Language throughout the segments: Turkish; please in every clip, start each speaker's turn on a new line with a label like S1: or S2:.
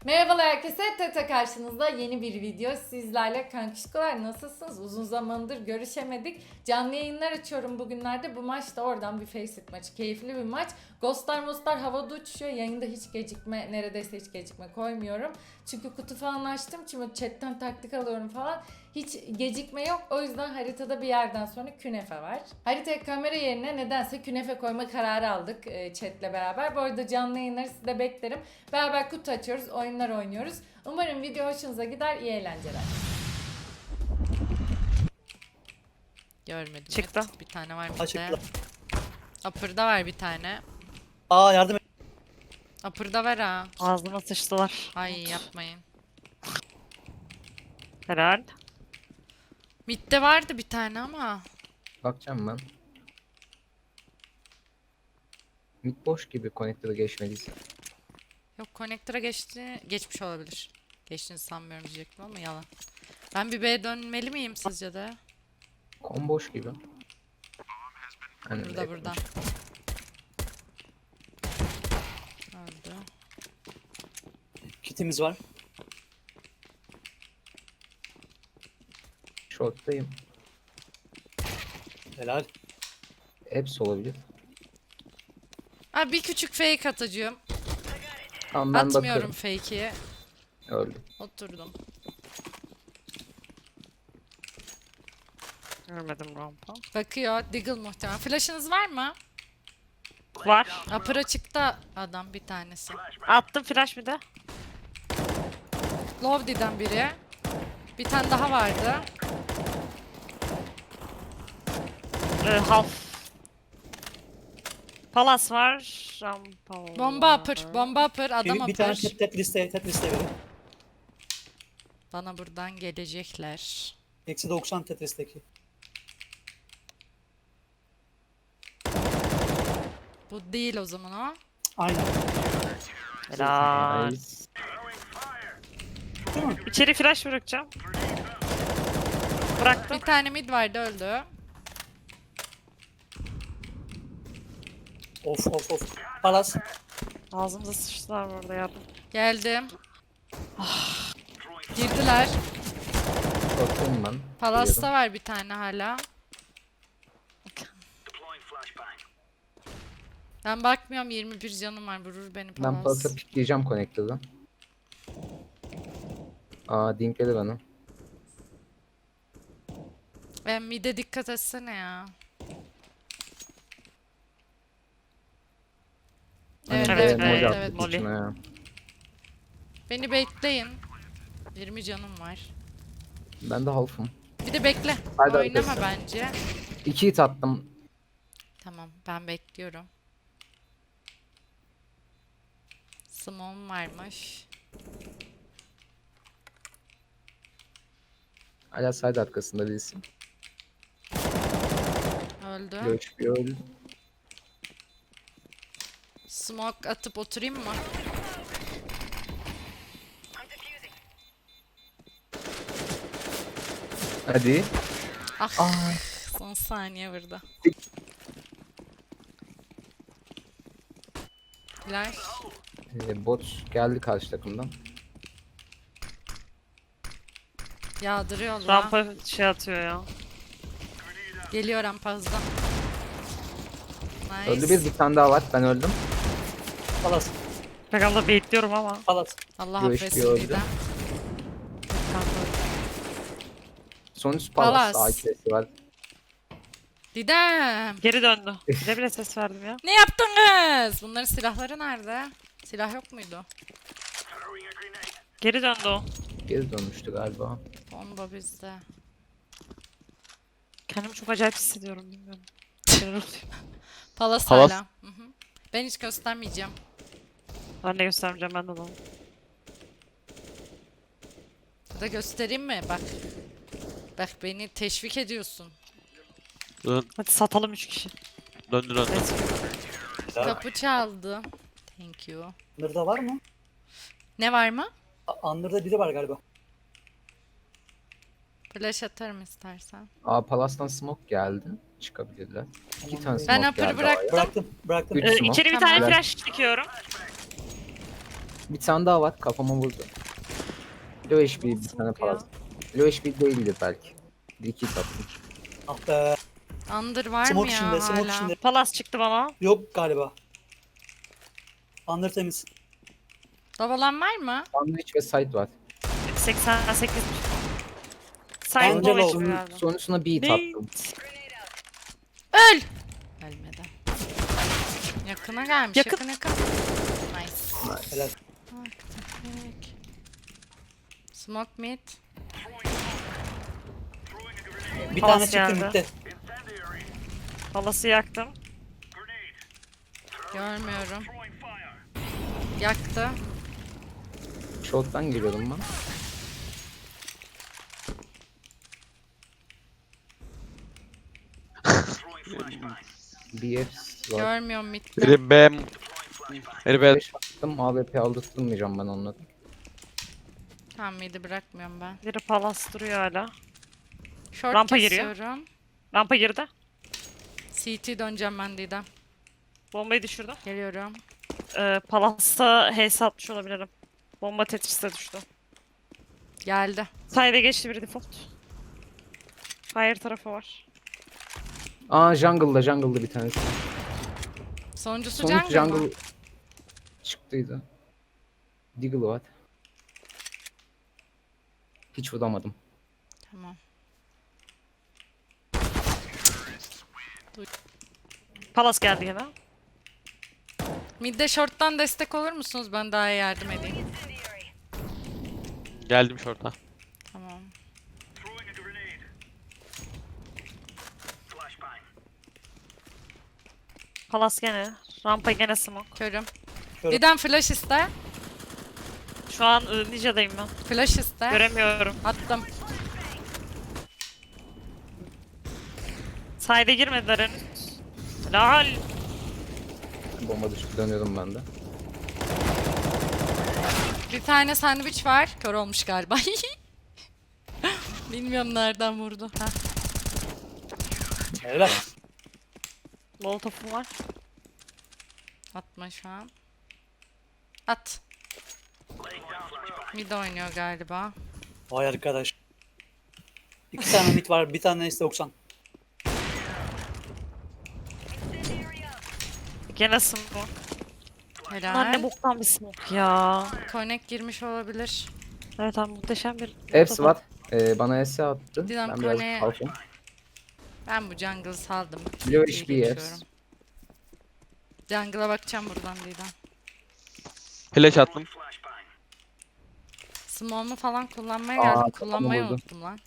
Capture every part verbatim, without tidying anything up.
S1: Merhabalar herkese, Tete karşınızda yeni bir video. Sizlerle kankişkolar nasılsınız? Uzun zamandır görüşemedik. Canlı yayınlar açıyorum bugünlerde. Bu maç da oradan bir Faceit maçı. Keyifli bir maç. Ghostlar mostlar havada uçuşuyor. Yayında hiç gecikme, neredeyse hiç gecikme koymuyorum. Çünkü kutu falan açtım. Çünkü chatten taktik alıyorum falan. Hiç gecikme yok. O yüzden haritada bir yerden sonra künefe var. Haritaya kamera yerine nedense künefe koyma kararı aldık e, chatle beraber. Bu arada canlı yayınları sizde beklerim. Beraber kutu açıyoruz, oyunlar oynuyoruz. Umarım video hoşunuza gider, iyi eğlenceler. Görmedim.
S2: Çıktı.
S1: Evet, bir tane var
S3: Ha,
S1: bir
S3: çıktı.
S1: de. Upper'da var bir tane.
S3: Aa yardım et.
S1: Upper'da var ha.
S2: Ağzıma sıçtılar.
S1: Ay yapmayın.
S2: Helal.
S1: Mid'de vardı bir tane ama.
S4: Bakacağım ben. Mid boş gibi connector'a geçmediyse.
S1: Yok connector'a geçti. Geçmiş olabilir. Geçtiğini sanmıyorum diyecektim ama yalan. Ben bir B'ye dönmeli miyim sizce de?
S4: Kon boş gibi. Hani
S1: Burada
S4: yakın.
S1: burada. Öldü.
S3: Kitimiz var.
S4: Short'tayım.
S3: Helal.
S4: Hepsi olabilir.
S1: Abi bir küçük fake atacağım.
S4: Tamam ben
S1: Atmıyorum
S4: bakıyorum.
S1: fake'i.
S4: Öldüm.
S1: Oturdum.
S2: Görmedim rampa.
S1: Bakıyor. Diggle muhtemelen. Flash'ınız var mı?
S2: Var.
S1: Upper açıkta adam bir tanesi.
S2: Attım flash bir de.
S1: Lovely'den biri. Bir tane daha vardı.
S2: Ee, half. Palas var. Rampa var.
S1: Bomba upper. Bomba upper. Adam
S3: Bir, bir tane
S1: upper.
S3: tet, tet listeye, tet listeye verin.
S1: Bana buradan gelecekler.
S3: Eksi doksan Tetris'teki.
S1: Bu değil o zaman o.
S3: Aynen.
S2: Helal.
S4: Nice.
S3: Değil mi?
S2: İçeri flash bırakacağım. Bıraktım.
S1: Bir tane mid vardı öldü.
S3: Of of of. Palas.
S2: Ağzımıza sıçtılar burada yardım.
S1: Geldim. Girdiler.
S4: Short'tayım ben.
S1: Palas'ta var bir tane hala. Ben bakmıyorum, yirmi bir canım var, vurur beni
S4: Ben
S1: Palas.
S4: Palas'a pikleyeceğim connector'dan. Aa dinkledi bana.
S1: Ben mid'e dikkat etsene ya. Evet
S4: Hani
S1: evet
S4: B
S2: evet,
S1: evet,
S4: mod
S1: evet.
S4: attık
S2: Molly.
S4: içine ya.
S1: Beni bekleyin. yirmi canım var.
S4: Ben de half'ım.
S1: Bir de bekle.
S4: Hadi
S1: Oynama
S4: arkadaşlar.
S1: bence.
S4: İki hit attım.
S1: Tamam, ben bekliyorum. Smoke'um varmış.
S4: Hala side arkasında birisi.
S1: Öldü.
S4: Göç bir öldü.
S1: Smoke atıp oturayım mı?
S4: Hadi.
S1: Ah, son saniye burada. Flash.
S4: Ee, bot geldi karşı takımdan.
S1: Yağdırıyorlar.
S2: Rampa şey atıyor ya.
S1: Geliyor rampazda. Nice.
S4: Öldü bir, bir tane daha var. Ben öldüm.
S3: Palas.
S2: Pek abla baitliyorum ama.
S3: Palas.
S1: Allah
S4: Göğüş
S1: affetsin
S4: diyor
S1: Didem.
S4: Son üst Palas.
S1: Palas.
S4: A K'si var.
S1: Didem.
S2: Geri döndü. Bile bile ses verdim ya.
S1: Ne yaptınız? Bunların silahları nerede? Silah yok muydu?
S2: Geri döndü o.
S4: Geri dönmüştü galiba.
S1: Bomba bizde.
S2: Kendimi çok acayip hissediyorum bilmiyorum. Şeyler oluyor.
S1: Palas
S4: Palas.
S1: hala. Hı hı. Ben hiç göstermeyeceğim.
S2: Ben de göstermeyeceğim ben de onu.
S1: Ya da göstereyim mi? Bak. Bak beni teşvik ediyorsun.
S5: Dön,
S2: Hadi satalım üç kişi.
S5: döndü döndü.
S2: Let's go.
S3: Helal.
S1: Kapı çaldı. Thank you.
S3: Under'da var mı?
S1: Ne var mı?
S3: A- Under'da biri var galiba.
S1: Flash atarım istersen.
S4: A Palas'tan smoke geldi. Çıkabilirler. İki
S3: Tamam,
S4: tane
S3: ben
S4: smoke
S1: Ben upper'ı
S4: geldi
S1: bıraktım.
S4: A'ya.
S3: Bıraktım. Bıraktım.
S4: Üç
S2: Ee,
S4: smoke.
S2: içeri bir
S1: Tamam.
S2: tane flash dikiyorum.
S4: Bir tane daha var kafama vurdu. Low H P bir
S2: Nasıl
S4: tane
S2: ya?
S4: palas. Low H P değildi belki. Bir iki tattım.
S3: Ah be.
S1: Under var
S3: Smoke
S1: mı ya
S3: içinde, smoke
S1: hala?
S3: içinde.
S2: Palas çıktı bana.
S3: Yok galiba. Under temiz.
S1: Babalan var mı?
S4: Sandwich ve side var.
S2: seksen sekiz.
S3: Bence
S2: Sayın Boğaç
S3: low.
S2: galiba.
S4: Sonrasına beat
S2: Ne?
S4: attım.
S1: Öl! Ölmedi. Yakına gelmiş.
S2: Yakın.
S1: Yakın yakın. Nice.
S3: Helal.
S1: Tek. Smoke mid.
S3: Bir
S2: Palas
S3: tane çıktı
S2: geldi.
S3: midde.
S2: Palası yaktım.
S1: Görmüyorum. Yaktı.
S4: Short'tan giriyordum ben. B F var.
S1: Görmüyorum midde.
S5: Biri B. Biri B.
S4: beş attım. A W P aldırtmayacağım ben onları.
S1: Tamam midi bırakmıyorum ben.
S2: Biri palas duruyor hala.
S1: Short
S2: Rampa giriyor.
S1: kesiyorum.
S2: Rampa girdi.
S1: C T döneceğim ben Didem.
S2: Bombayı düşürdüm.
S1: Geliyorum.
S2: Ee, Palas'ta H S atmış olabilirim. Bomba Tetris'te düştü.
S1: Geldi.
S2: Side'e geçti biri default. Fire tarafı var.
S4: Aa jungle'da jungle'da bir tanesi.
S1: Sonuncusu
S4: Sonuç
S1: jungle,
S4: jungle
S1: mı?
S4: çıktıydı. Deagle var. Hiç vuramadım.
S1: Tamam.
S2: Palas geldi gene.
S1: Midde short'tan destek olur musunuz? Ben daha iyi yardım edeyim.
S5: Geldim şorta.
S1: Tamam.
S2: Palas gene. Rampa gene smoke.
S1: Körüm.
S3: Körüm.
S1: Didem flash iste.
S2: Şu an ı, Ninja'dayım ben.
S1: Flash iste.
S2: Göremiyorum.
S1: Attım.
S2: Side'e girmediler henüz. Lal.
S4: Bomba düştü dönüyorum ben de.
S1: Bir tane sandviç var. Kör olmuş galiba. Bilmiyorum nereden vurdu. Ha.
S3: Helal.
S2: Molotof'um var.
S1: Atma şu an. At. Mid oynuyor galiba.
S3: Vay arkadaş. İki tane mid var. Bir tane S doksan.
S2: Gene smoke.
S1: Helal.
S2: Lan ne boktan bir smoke ya.
S1: Connect girmiş olabilir.
S2: Evet abi muhteşem bir
S4: Hepsi var. Ee, bana S attı.
S1: Didem
S4: Ben biraz
S1: Kone'ye-
S4: kalkayım.
S1: Ben bu jungle'ı saldım.
S4: Blue
S1: İyi
S4: H P Fs.
S1: geçiyorum. Jungle'a bakacağım buradan Didem.
S5: Flash attım.
S1: Smoke'umu falan kullanmaya
S4: Aa,
S1: geldim.
S4: kafamı
S1: Kullanmayı
S4: vurdu.
S1: unuttum lan.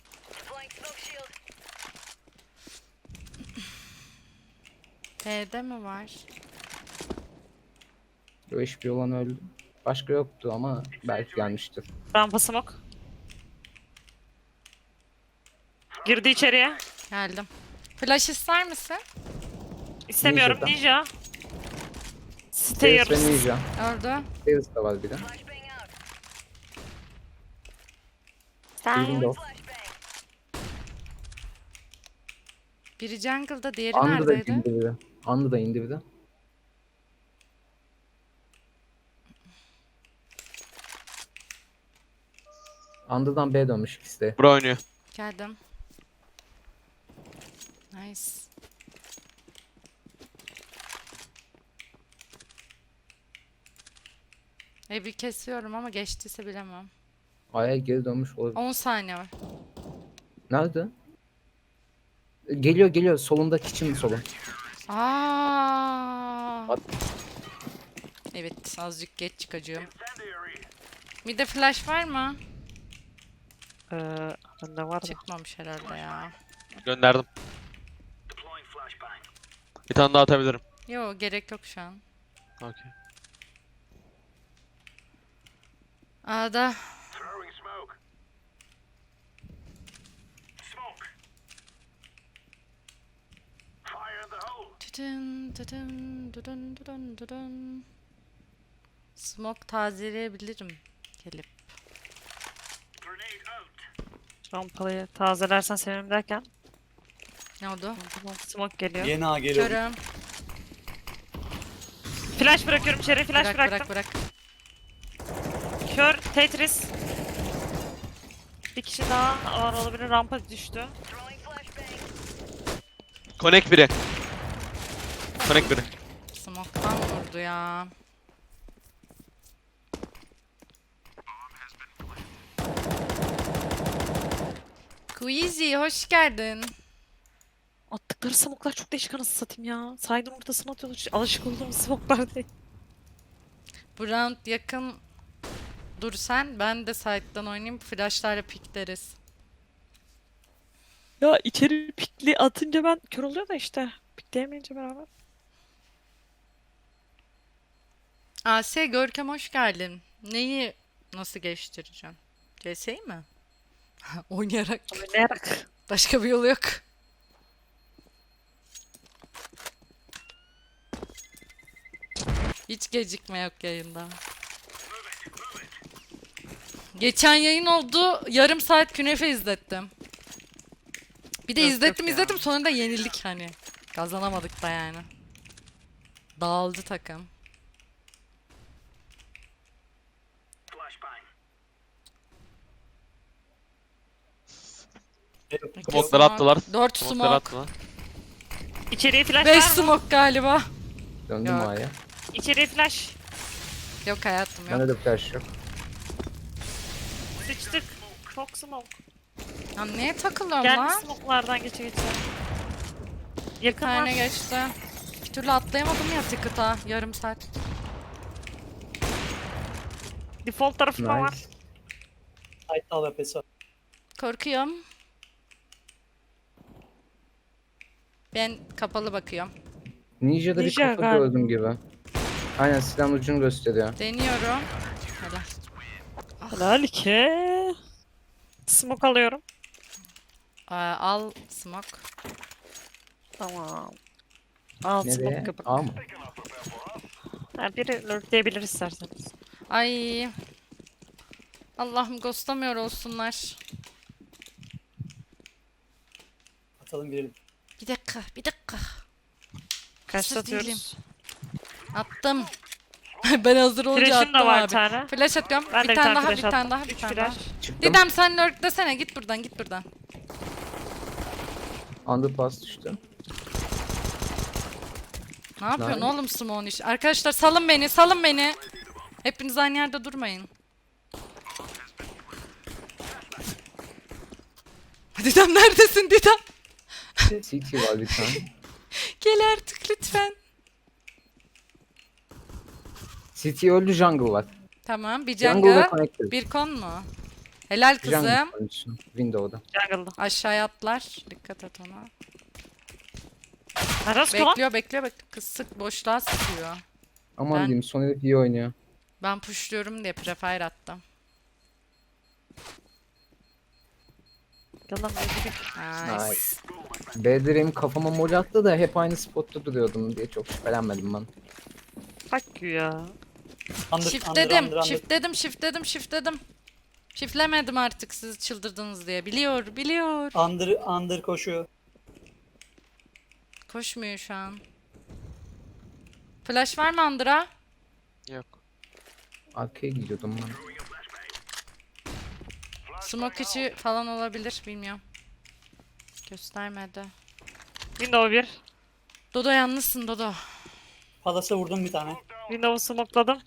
S1: B'de mi var?
S4: Blue H P olan öldü. Başka yoktu ama belki gelmiştir.
S2: rampa smoke. Girdi içeriye.
S1: Geldim. Flash ister misin?
S2: İstemiyorum
S4: Ninja'dan.
S2: Ninja.
S4: Stairs ve
S2: Stairs.
S4: Ninja.
S1: Öldü.
S4: Stairs da var bir de. Windows.
S1: Biri jungle'da, diğeri
S4: Andı da
S1: neredeydi?
S4: indi bir de. Andı da indi bir de. Andı'dan B dönmüş ikisi de.
S5: Bura oynuyor.
S1: Geldim. Nice. Evi kesiyorum ama geçtiyse bilemem.
S4: A'ya geri dönmüş olabilir.
S1: on saniye var.
S4: Nerede? Geliyor geliyor. Solunda kitchen solun.
S1: Aa.
S4: At.
S1: Evet, azıcık geç çıkacağım. Bir de flash var mı?
S2: Ee, bende var da.
S1: Çıkmamış herhalde ya.
S5: Gönderdim. Bir tane daha atabilirim.
S1: Yo, gerek yok şu an.
S5: Okey.
S1: A'da Tütün, tütün, tütün, tütün, tütün. Smoke tazeleyebilirim gelip.
S2: Rampayı tazelersen sevinirim derken.
S1: Ne oldu?
S2: Tamam, smoke geliyor.
S3: Yeni A geliyor.
S1: Körüm.
S2: Flash bırakıyorum içeri. Flash
S1: Bırak
S2: bıraktım.
S1: bırak bırak.
S2: Kör Tetris. Bir kişi daha var olabilir. Rampa düştü.
S5: Connect biri. Connect biri.
S1: Smoke'tan vurdu ya. Queasy hoş geldin.
S2: Attıkları smoklar çok değişik anasını satayım ya. Saydın ortasına atıyorlar. Alışık olduğum smoklar değil.
S1: Bu round yakın dur sen. Ben de side'dan oynayayım. Flash'larla pikleriz.
S2: Ya içeri pikli atınca ben kör oluyor da işte. Pikleyemeyince beraber.
S1: Asya Görkem hoş geldin. Neyi nasıl geliştireceğim? C S'yi mi? Oynayarak.
S2: Oynayarak.
S1: Başka bir yolu yok. Hiç gecikme yok yayında. Geçen yayın oldu. Yarım saat künefe izlettim. Bir de
S2: Yok,
S1: izlettim
S2: yok ya.
S1: izlettim sonra da yenildik hani. Kazanamadık da yani. Dağıldı takım.
S5: Smoke'ları attılar.
S1: dört
S5: Smoke'ları
S1: smoke.
S5: attılar.
S2: İçeriye flash
S1: beş
S2: var mı?
S1: smoke galiba.
S4: Döndüm
S1: Yok.
S4: A'ya.
S2: İçeriye flash.
S1: Yok hayatım yok.
S4: Bende de flash yok.
S2: Sıçtık. Çok smoke.
S1: Ya neye takılıyorum
S2: Geldi
S1: lan?
S2: smoke'lardan geçe geçe.
S1: Bir
S2: Yakın var.
S1: tane geçti. Bir türlü atlayamadım ya ticket'a. Yarım saat.
S2: Default tarafıma var.
S4: Nice.
S3: Side'da A W P'si var.
S1: Korkuyorum. Ben kapalı bakıyorum.
S4: Ninja'da bir
S2: Ninja
S4: kafa
S2: galiba.
S4: gördüm gibi. Aynen silahın ucunu gösteriyor.
S1: Deniyorum. Hadi.
S2: Helal ki. Smoke alıyorum.
S1: Aa, al smoke.
S2: Tamam. Al smoke
S4: Nereye?
S2: kapak.
S4: A mı?
S2: Ha, biri lurkleyebilir isterseniz.
S1: Ay. Allah'ım ghostlamıyor olsunlar.
S3: Atalım girelim.
S1: Bir dakika, bir dakika.
S2: Kaçta
S1: Hazır değilim.
S2: atıyoruz?
S1: Attım. Ben hazır olunca
S2: Flash'ım
S1: attım
S2: da var bir
S1: abi.
S2: tane.
S1: Flash atıyorum.
S2: Ben de
S1: bir tane daha,
S2: flash
S1: bir tane
S2: attım.
S1: daha, bir
S2: Üç
S1: tane daha.
S2: flash.
S4: Çıktım.
S1: Didem sen lurk desene. Git buradan, git buradan.
S4: Underpass düştü.
S1: Ne yapıyorsun
S4: Nice.
S1: oğlum Simon iş? Arkadaşlar salın beni, salın beni. Hepiniz aynı yerde durmayın. Didem neredesin Didem?
S4: C T var bir tane.
S1: Gel artık lütfen.
S4: C T öldü, jungle var.
S1: Tamam, bir
S4: Jungle ve
S1: jungle,
S4: connected.
S1: bir kon mu? Helal
S4: Jungle
S1: kızım.
S4: konuşsun. Window'da.
S2: Jungle'da.
S1: Aşağıya atlar. Dikkat et ona.
S2: Neresi lan?
S1: Bekliyor, bekliyor, bekliyor. Kız sık boşluğa sıkıyor.
S4: Aman
S1: Ben-
S4: diyeyim, son herif iyi oynuyor.
S1: Ben pushluyorum diye prefire attım.
S2: Yalan öldürük.
S1: Nice.
S4: Nice. B direğim kafama mol attı da hep aynı spotta duruyordum diye çok şüphelenmedim ben.
S2: Fuck you ya.
S3: Under,
S1: Shift
S3: under,
S1: dedim,
S3: under, under.
S1: shift dedim, shift dedim, shift dedim. Shiftlemedim artık siz çıldırdınız diye. Biliyor, biliyor.
S3: Under, under koşuyor.
S1: Koşmuyor şu an. Flash var mı Andra?
S5: Yok.
S4: Arkaya gidiyordum ben.
S1: Smoke içi falan olabilir, bilmiyorum. Göstermedi.
S2: Window bir.
S1: Dodo yalnızsın Dodo.
S3: Palas'a vurdum bir tane.
S2: Window'u smokeladım.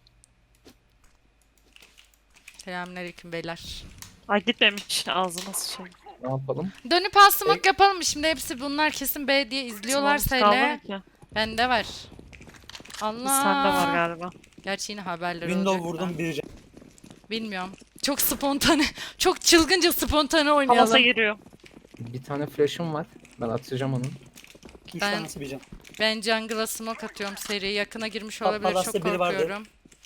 S1: Selamünaleyküm beyler.
S2: Ay gitmemiş. Ağzına sıçayım.
S4: Ne yapalım?
S1: Dönüp al smoke yapalım mı? Şimdi hepsi bunlar kesin B diye izliyorlarsa
S2: Smoke'umuz
S1: hele.
S2: kalmadı ki.
S1: Bende var.
S2: Bir
S1: Allah.
S2: sende var galiba.
S1: Gerçi yine haberler
S3: Window
S1: olacak da.
S3: vurdum bir can.
S1: Bilmiyorum. Çok spontane. Çok çılgınca spontane oynayalım.
S2: Palas'a giriyor.
S4: Bir tane flash'ım var. Ben atacağım onu.
S3: Üç
S1: Ben-
S3: tanesi bir can.
S1: Ben jungle'a smoke atıyorum seri. Yakına girmiş
S3: Bak,
S1: olabilir.
S3: Palas'ta
S1: Çok
S3: biri vardı.
S1: korkuyorum.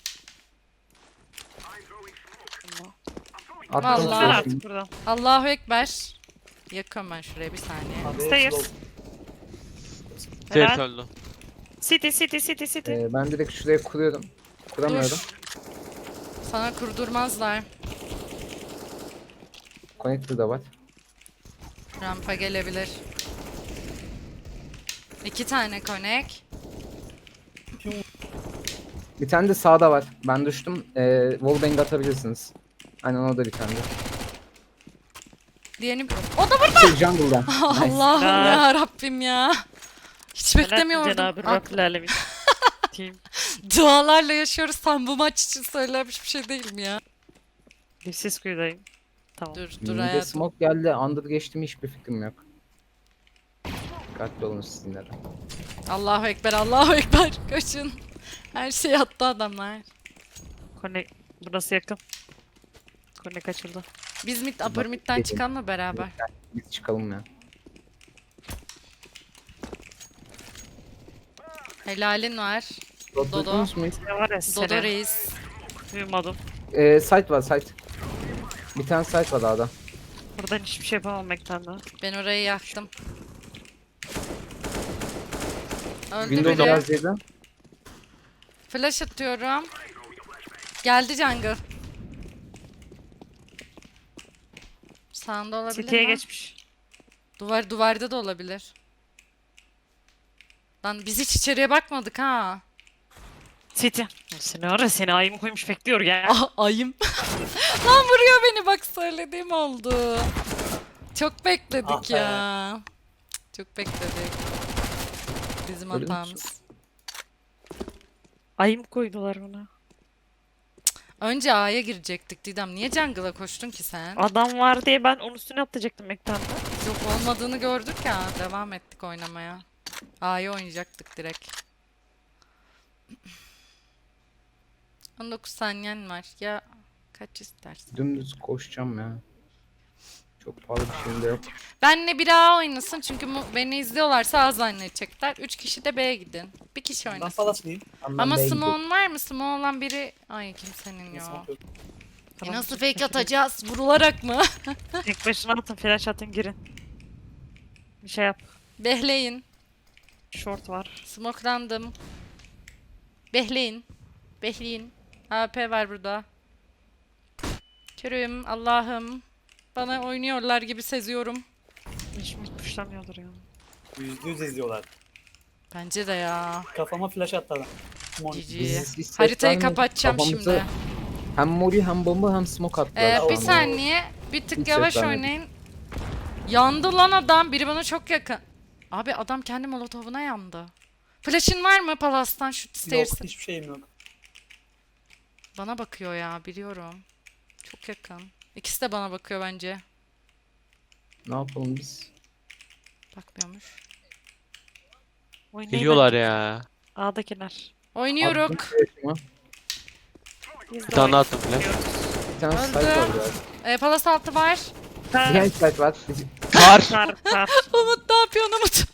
S4: Attım
S1: Vallahi.
S2: Var
S4: flash'ımı.
S2: artık buradan.
S1: Allahu Ekber. Yakıyorum ben şuraya bir saniye.
S3: Abi,
S2: Stairs.
S3: slow.
S5: Stairs
S2: Helal.
S5: öldü.
S2: City city city city.
S4: Ee, ben direkt şuraya kuruyorum. Kuramıyorum.
S1: Dur. Sana kurdurmazlar.
S4: Connector da var.
S1: Rampa gelebilir. İki tane connect.
S4: Bir tane de sağda var. Ben düştüm. Ee, wallbang atabilirsiniz. Aynen o da bir tane.
S1: Diğerini... O da burada.
S4: Şey, jungle'da. Nice.
S1: Allah'ım
S2: Helal.
S1: ya Rabbim ya. Hiç
S2: Helal
S1: beklemiyordum.
S2: Cenab-ı
S1: Ak-
S2: Rabbil Alemin. Team.
S1: Dualarla yaşıyoruz. Tam bu maç için söylenmiş bir şey değil mi ya?
S2: Dipsiz kuyudayım. Tamam.
S1: Dur dur
S4: Mid'e
S1: hayatım.
S4: smoke geldi. Under geçti mi hiçbir fikrim yok. Dikkatli olun siz yine de.
S1: Allahu Ekber, Allahu Ekber. Kaçın. Her şey attı adamlar.
S2: Connect. Burası yakın. Connect açıldı.
S1: Biz mid, upper mid'den çıkalım mı beraber?
S4: Biz çıkalım ya.
S1: Helalin var.
S4: Dodo. Duydunuz mu hiç?
S2: Ne var ya
S1: Dodo
S2: sene.
S1: reis.
S2: Duymadım.
S4: Ee, site var site. Bir tane site var dağda.
S2: Buradan hiçbir şey yapamam ekranla.
S1: Ben orayı yaktım. Öldü
S4: Windows
S1: biri.
S4: biraz yedi.
S1: Flash atıyorum. Geldi jungle. Sağında olabilir
S2: City'ye
S1: mi?
S2: geçmiş.
S1: Duvar duvarda da olabilir. Lan biz hiç içeriye bakmadık ha.
S2: City. Seni ara seni ayımı koymuş bekliyor ya.
S1: Ah, ayım. Lan vuruyor beni bak söylediğim oldu. Çok bekledik
S3: Ah be.
S1: ya. Çok bekledik. Bizim
S4: Öyle mi?
S1: hatamız.
S2: Ayım koydular ona.
S1: Önce A'ya girecektik Didem. Niye jungle'a koştun ki sen?
S2: Adam var diye ben onun üstüne atlayacaktım ekranda.
S1: Yok olmadığını gördük ya. Devam ettik oynamaya. A'yı oynayacaktık direkt. on dokuz saniyen var. Ya kaç istersin?
S4: Dümdüz koşacağım ya. Çok pahalı bir şeyim de yok.
S1: Benle bir A oynasın çünkü mu- beni izliyorlarsa A zannedecekler. Üç kişi de B'ye gidin. Bir kişi
S3: Ben
S1: oynasın.
S3: palaslıyım.
S4: Ben
S1: Ama
S4: B'ye gidiyorum.
S1: Simon var mı? Simon olan biri... Ay kimsenin yok.
S3: Smoke yok.
S1: E nasıl fake atacağız? Vurularak mı?
S2: Tek başına atın flash atın girin. Bir şey yap.
S1: Behleyin.
S2: Short var.
S1: Smokelandım. Behleyin. Behleyin. A P var burada. Körüm Allah'ım. Bana oynuyorlar gibi seziyorum.
S2: Hiç mi puşlamıyordur ya.
S3: Yüzde yüz izliyorlar.
S1: Bence de ya.
S3: Kafama flash attı adam. Mon-
S1: G G.
S4: Biz hiç ses
S1: Haritayı
S4: vermedik.
S1: kapatacağım
S4: Kafamızı
S1: şimdi.
S4: Hem mori hem bomba hem smoke attılar.
S1: Ee,
S3: Tamam.
S1: bir saniye. Bir tık
S4: Hiç
S1: yavaş
S4: ses vermedim.
S1: oynayın. Yandı lan adam. Biri bana çok yakın. Abi adam kendi molotovuna yandı. Flash'ın var mı Palas'tan şu
S3: Yok
S1: stairs'e?
S3: hiçbir şeyim yok.
S1: Bana bakıyor ya biliyorum. Çok yakın. İkisi de bana bakıyor bence.
S4: Ne yapalım biz?
S1: Bakmıyormuş.
S2: Oynayın
S5: Geliyorlar
S2: bence.
S5: ya.
S2: A'dakiler.
S1: Oynuyoruz.
S4: Attım flash'ımı.
S2: Biz
S5: Bir
S2: de
S5: tane daha attım flash.
S2: oynuyoruz.
S4: Bir tane
S1: Öldü.
S4: site var biraz.
S1: Ee, Palas altı var.
S4: Behind site var. Biz-
S5: Kar.
S2: Kar kar.
S1: Umut ne yapıyorsun Umut?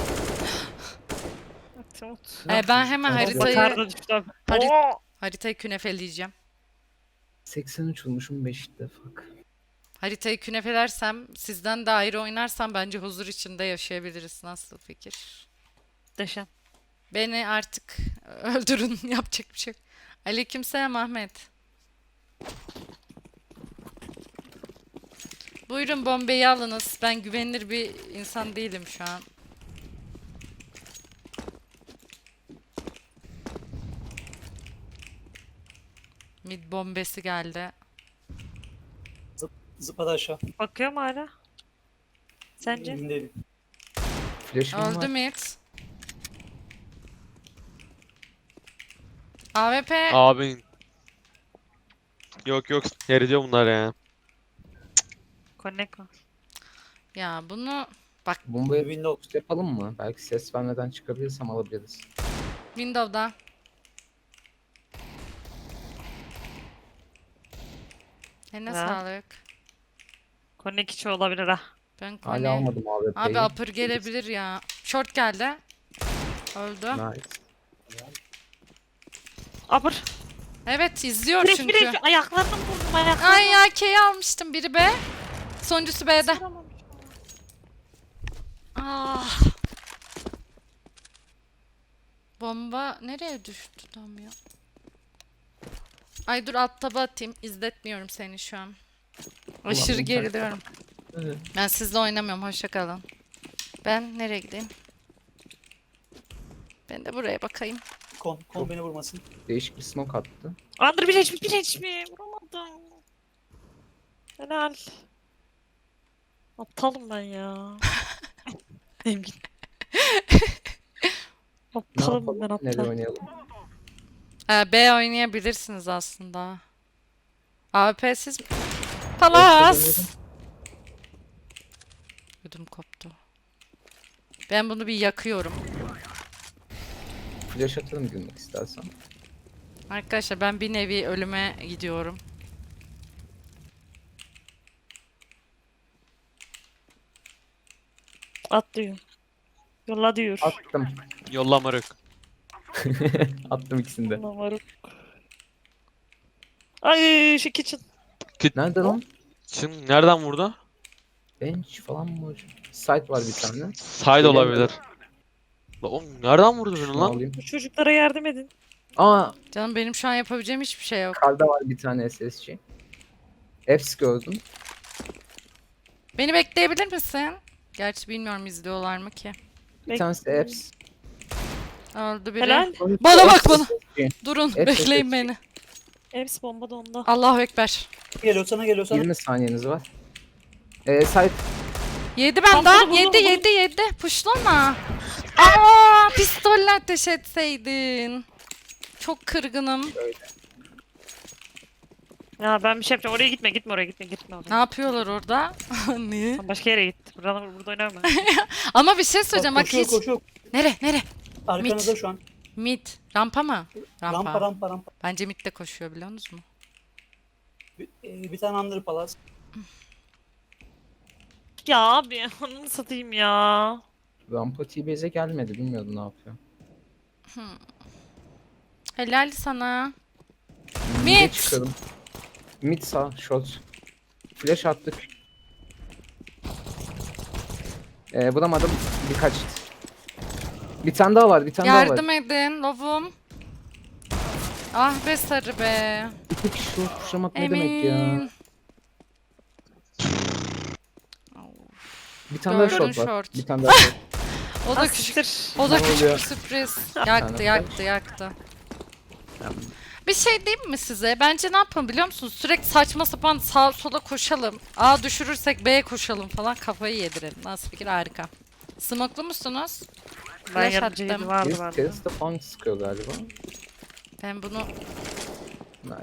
S2: Umut.
S1: Ee, ben hemen
S4: Sen-
S1: haritayı
S2: Kar da düştü abi.
S1: Harit-
S2: Oo!
S1: haritayı künefeleyeceğim.
S4: seksen üç olmuşum beşte fuck.
S1: Haritayı künefelersem, sizden de ayrı oynarsam bence huzur içinde yaşayabiliriz. Nasıl fikir?
S2: Deşen.
S1: Beni artık öldürün. Yapacak bir şey yok. Aleykümselam Ahmet. Buyurun bombeyi alınız. Ben güvenilir bir insan değilim şu an. Mid bombesi geldi.
S3: Zıpladı aşağı.
S2: Bakıyor mu hala? Sence?
S3: Emin değilim.
S4: Flash'ım
S1: Öldü
S4: var.
S1: mid. A W P
S5: Abin. Yok yok. Yer ediyor bunlar ya.
S2: Connect var.
S1: ya bunu bak
S4: Bombayı
S3: Windows.
S4: yapalım mı? Belki ses vermeden çıkabilirsem alabiliriz.
S1: Windows'da. Eline
S2: Ha.
S1: sağlık.
S2: Connect içi olabilir ha.
S1: Ben
S4: Hala
S1: kone.
S4: almadım abi.
S1: Abi upper gelebilir ya. Short geldi. Öldü.
S4: Nice.
S2: Abur.
S1: Evet izliyor
S2: Flash
S1: çünkü.
S2: flash. Ayaklarını vurdum ayaklarını.
S1: Ay ya K'yi almıştım biri B. Sonuncusu B'de. Ah. Bomba nereye düştü tam ya? Ay dur alt taba atayım. İzletmiyorum seni şu an. Aşırı
S4: Ulan,
S1: geriliyorum.
S4: Evet.
S1: Ben sizle oynamıyorum. Hoşça kalın. Ben nereye gideyim? Ben de buraya bakayım.
S3: Kon, kon beni vurmasın.
S4: Değişik bir smoke attı.
S2: Under bir H P bir H P. Vuramadım. Helal. Aptalım ben ya. Emin.
S4: Ne
S2: Aptalım ben
S4: yapalım? Nereye
S2: aptal.
S4: oynayalım?
S1: Ee, B oynayabilirsiniz aslında. A W P'siz Palas. Ödüm koptu. Ben bunu bir yakıyorum.
S4: Flash atalım girmek istersen.
S1: Arkadaşlar ben bir nevi ölüme gidiyorum.
S2: At diyor. Yolla diyor.
S4: Attım.
S5: Yolla moruk.
S4: Attım ikisini de.
S2: Ulan varım. Ay şu kitchen.
S4: Nerede lan?
S5: Çın nereden vurdu?
S4: Bench falan mı hocam? Site var bir tane.
S5: Side olabilir. La oğlum nereden vurdu beni
S4: Şunu
S5: lan?
S4: alayım.
S2: Bu çocuklara yardım edin.
S4: Aa,
S1: Canım benim şu an yapabileceğim hiçbir şey yok.
S4: karda var bir tane S S G. Fs gördüm.
S1: Beni bekleyebilir misin? Gerçi bilmiyorum izliyorlar mı ki.
S4: Bir
S2: Bek-
S4: tanesi Fs.
S1: Öldü biri.
S2: Helal.
S1: Bana bak bana.
S4: S S G.
S1: Durun
S4: Evet,
S1: bekleyin
S4: evet.
S1: beni.
S2: Hepsi bomba da onda.
S1: Allahu Ekber.
S3: Geliyor sana geliyor sana.
S4: yirmi saniyeniz var. Ee, site
S1: Yedi ben
S2: Tam
S1: daha.
S2: bunu, bunu,
S1: Yedi
S2: bunu.
S1: yedi yedi. Puşlama. Aa, pistolle ateş etseydin. Çok kırgınım.
S2: Ya ben bir şey yapacağım. Oraya gitme, gitme oraya gitme, gitme
S1: Ne
S2: oraya.
S1: yapıyorlar orada? Niye?
S2: Sen başka yere git. Burada, burada oynama.
S1: Ama bir şey söyleyeceğim bak
S3: koşuyor
S1: hiç.
S3: koşuyor.
S1: Nere nere?
S3: Arkanızda
S1: Mit.
S3: şu an.
S1: Mid. Rampa mı? Rampa.
S3: Rampa rampa rampa.
S1: Bence mid de koşuyor biliyor musunuz?
S3: Bir, e, bir tane under palas.
S2: Ya abi onu satayım ya.
S4: Rampa T-Base'e gelmedi. Bilmiyordum ne yapıyor.
S1: Helal sana.
S4: Mid'e
S1: Mid.
S4: çıkalım. Mid sağ, short. Flash attık. Ee, bulamadım. Birkaç. Bir tane daha var, bir tane daha var.
S1: Yardım edin lovum. Ah be sarı be.
S4: İki kişi short pushlamak ne demek ya?
S1: Emin.
S4: Bir tane daha
S1: Gördün
S4: short var.
S1: short.
S4: Bir tane daha short.
S1: O da
S2: Ah,
S1: küçük.
S2: siktir.
S1: O da
S4: Ne
S1: küçük
S4: oluyor?
S1: bir sürpriz. Yaktı yaktı yaktı. Bir şey diyeyim mi size? Bence ne yapalım biliyor musunuz? Sürekli saçma sapan sağa sola koşalım. A düşürürsek B'ye koşalım falan kafayı yedirelim. Nasıl fikir harika. Smoklu musunuz?
S2: Ben
S1: Flash
S2: yardımcıydım
S1: attım.
S2: vardı
S4: Birisi
S2: bende.
S4: teröriste falan sıkıyor galiba.
S1: Ben bunu
S4: Hayır.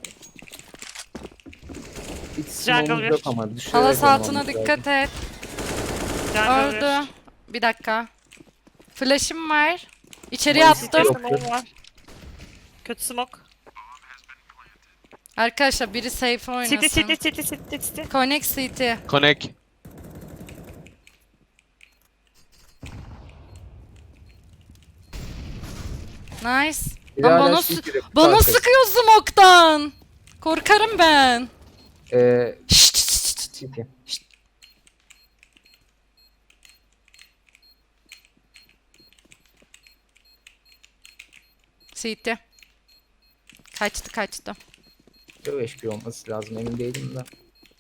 S4: Hiç
S2: Jungle
S4: smoke'umuz
S2: bir.
S4: yok ama düşerek
S1: halas altına
S4: oynamamız lazım.
S1: dikkat et.
S2: Jungle
S1: Öldü. Bir dakika. Flash'ım var. İçeriye
S4: Maalesef
S2: bir.
S1: attım.
S4: yok.
S2: Smoke var. Kötü smoke.
S1: Arkadaşlar biri safe
S2: City
S1: oynasın.
S2: city city city city.
S1: Connect City.
S5: Connect.
S1: Nice.
S4: Bir
S1: Lan
S4: hala
S1: bana,
S4: şey
S1: sı-
S4: girip
S1: bana
S4: arkası.
S1: sıkıyor smoke'tan. Korkarım ben.
S4: Ee,
S1: Şşt, şşt, şşt, şşt.
S4: City.
S1: City. Kaçtı kaçtı.
S4: Çok H P olması lazım emin değilim de.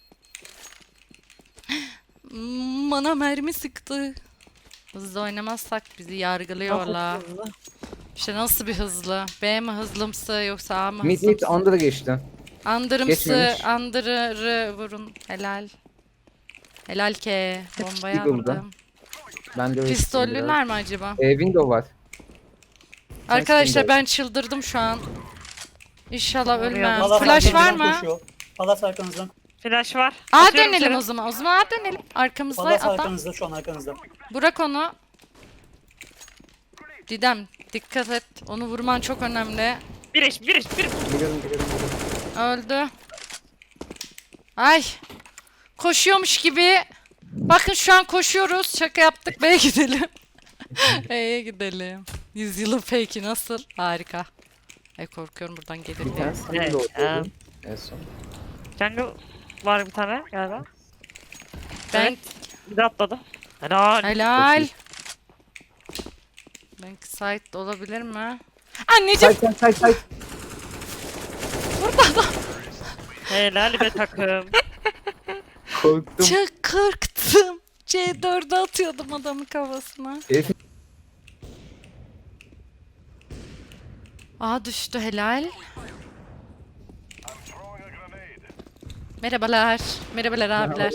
S1: Hmm, Bana mermi sıktı. Hızlı oynamazsak bizi yargılıyorlar. İşte nasıl bir hızlı? B mi hızlımsı yoksa A mı
S4: Mid mid
S1: hızlımsı?
S4: under'a geçti.
S1: Andırımsı,
S4: Geçmemiş.
S1: andırı vurun. Helal. Helal ke. Bombayı
S4: Eagle'da.
S1: aldım.
S4: Ben de öyle
S1: Pistollüler mi acaba?
S4: Ee, window var.
S1: Arkadaşlar
S4: window.
S1: ben çıldırdım şu an. İnşallah
S2: Oraya
S1: ölmem.
S2: bak.
S1: Flash var
S3: arkanızdan
S1: mı?
S3: koşuyor. Palas arkanızdan.
S2: Flash var.
S1: A
S2: Atıyorum
S1: dönelim
S2: içeri.
S1: o zaman. O zaman A dönelim. Arkamızda
S3: Palas
S1: adam.
S3: arkanızda şu an arkanızda.
S1: Bırak onu. Didem dikkat et. Onu vurman çok önemli.
S2: Bir eş, bir eş, bir eş.
S4: Biliyorum biliyorum biliyorum.
S1: Öldü. Ay. Koşuyormuş gibi. Bakın şu an koşuyoruz. Şaka yaptık. B'ye gidelim. B'ye gidelim. Yüzyılın fake'i nasıl? Harika. Ay korkuyorum buradan gelir
S4: Bir
S1: diye.
S4: tane sana
S2: Evet,
S4: da
S2: ya.
S4: oturdu. En son.
S2: Jungle var bir tane galiba.
S1: Ben
S2: Evet. Bir de atladı. Helal.
S1: helal. Ben site olabilir mi? Anneciğim
S4: Side side side side.
S2: Helal be takım.
S4: Korktum.
S1: çok korktum. C dört'e atıyordum adamın kafasına.
S4: Herif
S1: Aa düştü helal. Merhabalar. Merhabalar abiler.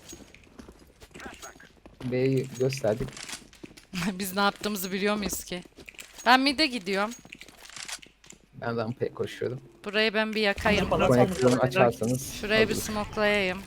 S4: B'yi gösterdik.
S1: Biz ne yaptığımızı biliyor muyuz ki? Ben mid'e gidiyorum.
S4: Ben rampaya koşuyorum.
S1: Burayı ben bir yakayım.
S3: Bana
S4: Koneksiyonu
S3: sandım.
S4: açarsanız.
S1: Şuraya bir
S4: hazır.
S1: smoklayayım.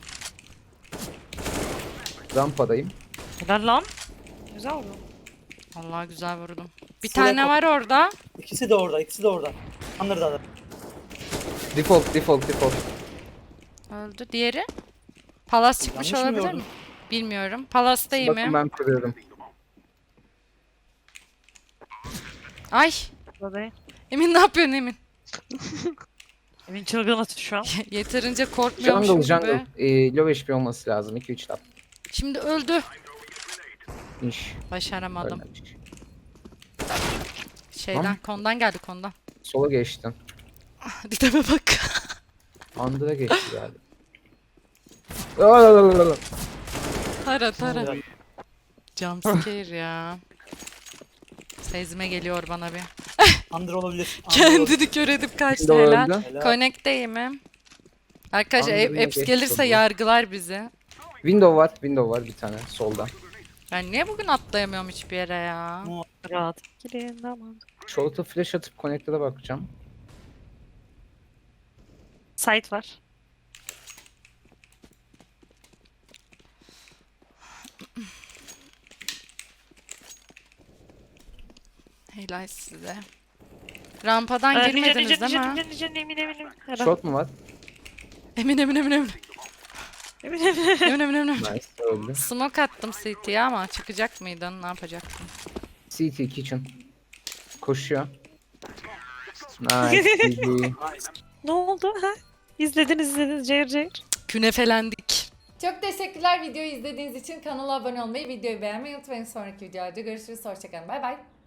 S4: Rampadayım.
S2: Helal lan. Güzel oldu.
S1: Allah güzel vurdum. Bir
S3: Şuraya
S1: tane
S3: kop-
S1: var orada.
S3: İkisi de orada, ikisi de orada. Under'da da.
S4: Default, default, default.
S1: Öldü. Diğeri? Palas çıkmış
S3: Yanlış mı
S1: olabilir
S3: gördüm?
S1: mi? Bilmiyorum. Palas'tayım
S4: Bakın
S1: mı?
S4: ben kuruyorum.
S1: Ay.
S2: Burada.
S1: Emin ne yapıyorsun Emin?
S2: Emin çılgın atıyor şu an.
S1: Yeterince korkmuyormuşum
S4: Jungle,
S1: gibi.
S4: jungle. Ee, low H P olması lazım. iki üç tap.
S1: Şimdi öldü.
S4: İş.
S1: Başaramadım.
S4: Ölmemiş.
S1: Şeyden,
S4: Tamam.
S1: kondan geldi kondan.
S4: Sola geçtin.
S1: Dideme bak.
S4: Under'a geçti galiba. Aa,
S1: Tara tara.
S3: Güzel.
S1: Jumpscare ya. Sezime geliyor bana bir.
S3: Under olabilir. Under olabilir.
S1: Kendini kör edip kaçtı
S4: Window
S1: helal.
S4: öldü.
S3: Helal.
S1: Connect'teyim mi? Arkadaşlar
S4: Anladım,
S1: Ep- Eps
S4: geçti
S1: gelirse
S4: tabii.
S1: yargılar bizi.
S4: Window var, window var bir tane solda.
S1: Ben niye bugün atlayamıyorum hiçbir yere ya?
S2: Rahat. Girin aman.
S4: Short'a flash atıp connector'a bakacağım.
S2: Site var.
S1: Helal size. Rampadan
S2: Ee,
S1: girmediniz
S2: Nijen,
S1: değil
S2: Nijen,
S1: mi?
S2: Nijen, Nijen, emin eminim. Helal.
S4: Short mu var?
S1: Emin emin emin emin.
S2: Emin eminim.
S1: Emin emin emin.
S4: Nice, öldü.
S1: Smoke attım C T'ye ama çıkacak mıydın? Ne yapacaktın?
S4: C T kitchen. Koşuyor. Nice, G G.
S2: Ne oldu ha? İzlediniz izlediniz cayır cayır.
S1: Künefelendik. Çok teşekkürler videoyu izlediğiniz için. Kanala abone olmayı, videoyu beğenmeyi unutmayın. Sonraki videolarda görüşürüz. Hoşçakalın. Bay bay.